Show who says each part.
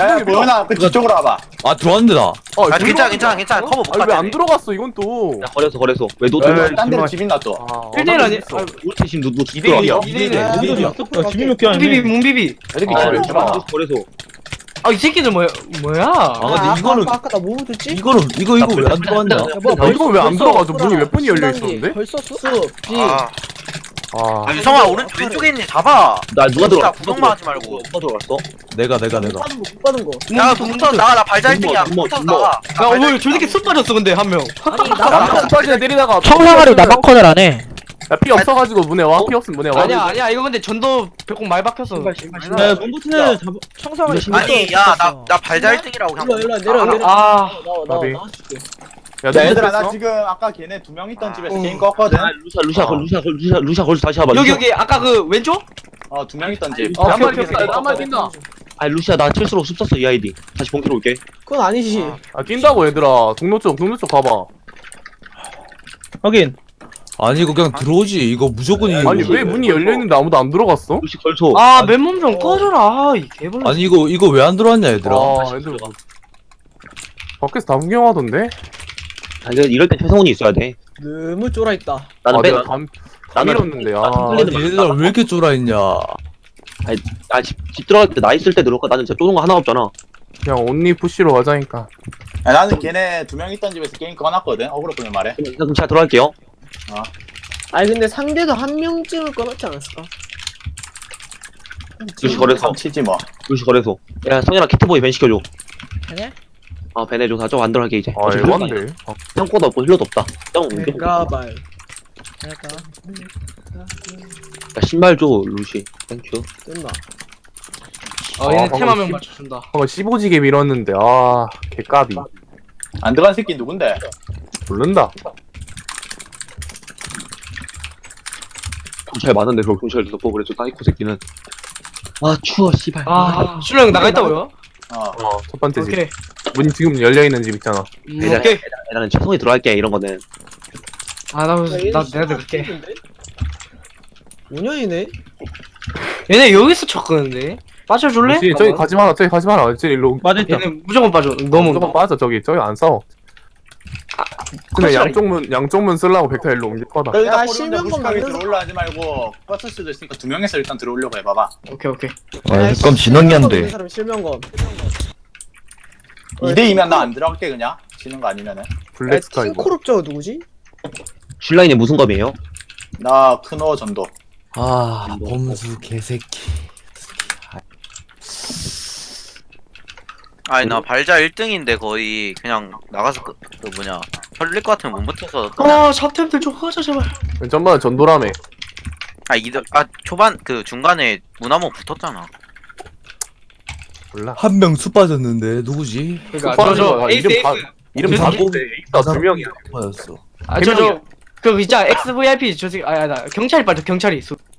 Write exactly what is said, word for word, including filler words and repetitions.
Speaker 1: 야 보현아 그 뒤쪽으로 와봐.
Speaker 2: 아 들어왔는데 나.
Speaker 3: 어,
Speaker 4: 아 괜찮아 괜찮아 괜찮아 커버 못
Speaker 3: 아니 왜 안
Speaker 4: 갔네.
Speaker 3: 들어갔어 이건 또.
Speaker 2: 야 거래소 거래소. 왜너
Speaker 1: 야,
Speaker 2: 들어와?
Speaker 1: 딴 데로 집 있나 또.
Speaker 3: 아,
Speaker 5: 일 대 일 아니?
Speaker 3: 있어.
Speaker 5: 아,
Speaker 2: 우리 지금 너너
Speaker 3: 이 대 일이야.
Speaker 5: 이 대 일이야.
Speaker 6: 야, 야, 집이 몇 개
Speaker 5: 문비비
Speaker 6: 아니네.
Speaker 5: 문비비.
Speaker 1: 이렇게
Speaker 2: 아,
Speaker 1: 집을
Speaker 2: 거래소
Speaker 1: 좀 와.
Speaker 2: 거래소.
Speaker 5: 아 이 새끼들 뭐야 뭐야?
Speaker 2: 아 근데 이거는
Speaker 7: 아까, 아까 나 뭐 줬지?
Speaker 2: 이거는 이거 이거 왜 안 들어왔냐?
Speaker 3: 아, 이거 왜 안 들어가죠? 문이 몇 번이 열려 있었는데?
Speaker 7: 벌써 수, 비.
Speaker 4: 아,
Speaker 3: 아,
Speaker 4: 아 유성아 오른쪽 왼쪽에 있는 애 잡아.
Speaker 2: 나 누가 들어갔어?
Speaker 4: 구경만 하지 말고.
Speaker 2: 누가 들어갔어? 내가 내가
Speaker 7: 못
Speaker 2: 내가.
Speaker 7: 받은 거, 못 받은 거.
Speaker 4: 야 부터 나가 나 발자 일 등이야.
Speaker 2: 주먹,
Speaker 4: 부터
Speaker 2: 주먹.
Speaker 4: 나가.
Speaker 5: 야 오늘 저 새끼 쑥 빠졌어 근데 한 명.
Speaker 7: 아니,
Speaker 3: 나
Speaker 7: 나,
Speaker 3: 빠지네 때리다가
Speaker 8: 청사가리 나만 커널 안 해.
Speaker 3: 야, 피 없어가지고 문에 와. 피 없으면 문에 와.
Speaker 5: 아니야 아니야 이거 근데 전도 배꼽 많이 박혔어.
Speaker 6: 야, 몸부터 애 잡아.
Speaker 7: 청사가
Speaker 4: 아니 야 나 나 발자 일 등이라고
Speaker 7: 일로,
Speaker 4: 그냥.
Speaker 7: 일로, 내려, 내려.
Speaker 5: 아
Speaker 7: 나와, 나와,
Speaker 3: 나비.
Speaker 7: 나와줄게.
Speaker 3: 야,
Speaker 1: 야
Speaker 3: 너
Speaker 1: 얘들아
Speaker 3: 됐어?
Speaker 1: 나 지금 아까 걔네 두 명 있던 집에서
Speaker 5: 어.
Speaker 1: 게임 껐거든.
Speaker 2: 아 루샤 루샤
Speaker 3: 어.
Speaker 2: 걸 루샤 걸 루샤 루샤 걸 다시 해봐.
Speaker 5: 여기
Speaker 2: 루샤.
Speaker 5: 여기 아까 그 왼쪽?
Speaker 1: 어 두 명 있던 집.
Speaker 3: 어,
Speaker 5: 야,
Speaker 3: 한번
Speaker 5: 오케이,
Speaker 3: 뛴다.
Speaker 5: 오케이.
Speaker 3: 한번 뛴다.
Speaker 2: 아 루샤 나 칠수록 숲 썼어 이 아이디. 다시 본캐로 올게.
Speaker 7: 그건 아니지.
Speaker 3: 아, 뛴다고 얘들아. 동로 쪽, 동로 쪽 가봐.
Speaker 6: 확인.
Speaker 2: 아니 이거 그냥 들어오지. 이거 무조건 이거.
Speaker 3: 아니 왜 문이 열려 있는데 아무도 안 들어갔어?
Speaker 2: 루시 걸쳐.
Speaker 5: 아 맨몸 좀 꺼줘라. 이 개벌레.
Speaker 2: 아니 이거 이거 왜 안 들어왔냐 얘들아.
Speaker 3: 아, 애들 뭐- 밖에서 다 구경하던데?
Speaker 2: 아 이거 이럴 때 최성훈이 있어야 돼.
Speaker 7: 너무 쫄아있다.
Speaker 2: 나는
Speaker 3: 아,
Speaker 2: 빼.
Speaker 3: 내가 감,
Speaker 2: 나는
Speaker 3: 감이었는데, 아.
Speaker 2: 아니, 얘들아 왜 이렇게 쫄아있냐. 아집 집 들어갈 때 나 있을 때 들어올까? 나는 진짜 쫄은 거 하나 없잖아.
Speaker 3: 그냥 온리 푸시로 가자니까.
Speaker 1: 야, 나는 걔네 두 명 있던 집에서 게임 꺼놨거든. 어그로 보면 말해.
Speaker 2: 그럼, 그럼 제가 들어갈게요.
Speaker 7: 아니, 근데 상대도 한 명쯤은 꺼놨지 않았을까?
Speaker 2: 루시 거래소.
Speaker 1: 치지 뭐.
Speaker 2: 루시 거래소. 야 성현아 키트보이 밴 시켜줘.
Speaker 7: 그래?
Speaker 2: 아 밴 해줘. 나좀 안 들어갈게 이제.
Speaker 3: 아, 에반데. 아,
Speaker 2: 형코도 없고 힐러도 없다. 형 야,
Speaker 7: 메가발. 내가
Speaker 2: 신발 줘 루시. 땡큐.
Speaker 7: 끝나.
Speaker 5: 어 얘네
Speaker 3: 아,
Speaker 5: 템 한 명
Speaker 3: 방금
Speaker 5: 맞춰준다.
Speaker 3: 방금 십오지게 밀었는데, 아, 개까비.
Speaker 1: 안 들어간 새끼 누군데?
Speaker 3: 모른다.
Speaker 2: 경찰 많은데 그걸 경찰 덮어 그래서 사이코 새끼는. 아 추워 씨발.
Speaker 5: 아 슐러 형 나가 있다고요?
Speaker 1: 어.
Speaker 3: 어, 첫 번째 집.
Speaker 5: 오케이.
Speaker 3: 문 지금 열려있는 집 있잖아.
Speaker 5: 음, 오케이.
Speaker 2: 나는 최성이 들어갈게 이런 거는.
Speaker 5: 아나 나 내가 들을게.
Speaker 7: 오 년이네?
Speaker 5: 얘네 여기서 쳤거는데. 빠져줄래?
Speaker 3: 혹시 저기 가지 마라, 저기 가지 마라. 저기 일로.
Speaker 6: 맞았다.
Speaker 5: 얘네 무조건 빠져. 너무
Speaker 3: 무조건 빠져, 저기. 저기 안 싸워. 근데
Speaker 5: 컷이야,
Speaker 3: 양쪽 문, 양쪽 문 쓰려고 벡터 일로 옮길 거다.
Speaker 1: 여기다
Speaker 7: 야,
Speaker 1: 꼬리인데
Speaker 7: 실명권
Speaker 1: 무식하게
Speaker 7: 만들어서-
Speaker 1: 들어올라 하지 말고 껐을 수도 있으니까 두 명에서 일단 들어오려고 해봐봐.
Speaker 5: 오케이 오케이.
Speaker 8: 아, 그럼 진원이 안 돼.
Speaker 7: 사람 실명검.
Speaker 1: 이 대 이면 나 안 들어갈게 그냥. 지는 거 아니면은.
Speaker 3: 블랙 스카이.
Speaker 7: 킹코롭 저거 누구지?
Speaker 2: 슐라인이 무슨 검이에요?
Speaker 1: 나 크노 전도.
Speaker 2: 아 범수 개새끼.
Speaker 4: 아니 나 발자 일 등인데 거의 그냥 나가서 그, 그 뭐냐 털릴 것 같으면 못 버텨서 그냥
Speaker 5: 아 샵템들 좀 하자 제발.
Speaker 3: 전반에 전도라며.
Speaker 4: 아 이들 아 초반 그 중간에 문 한 번 붙었잖아.
Speaker 3: 몰라.
Speaker 2: 한 명 수 빠졌는데 누구지?
Speaker 5: 그러니까
Speaker 3: 슈퍼
Speaker 5: 저저
Speaker 3: 하는
Speaker 5: 에이스
Speaker 3: 거야.
Speaker 5: 에이스.
Speaker 3: 이름 다- 이름
Speaker 5: 저
Speaker 3: 다
Speaker 5: 새끼-
Speaker 3: 뽑는데 에이스가 두 명이야.
Speaker 2: 빠졌어.
Speaker 5: 아 저 저 그 있잖아 엑스브이아이피 저 새끼 아야 나 경찰이 빠져 경찰이 있어.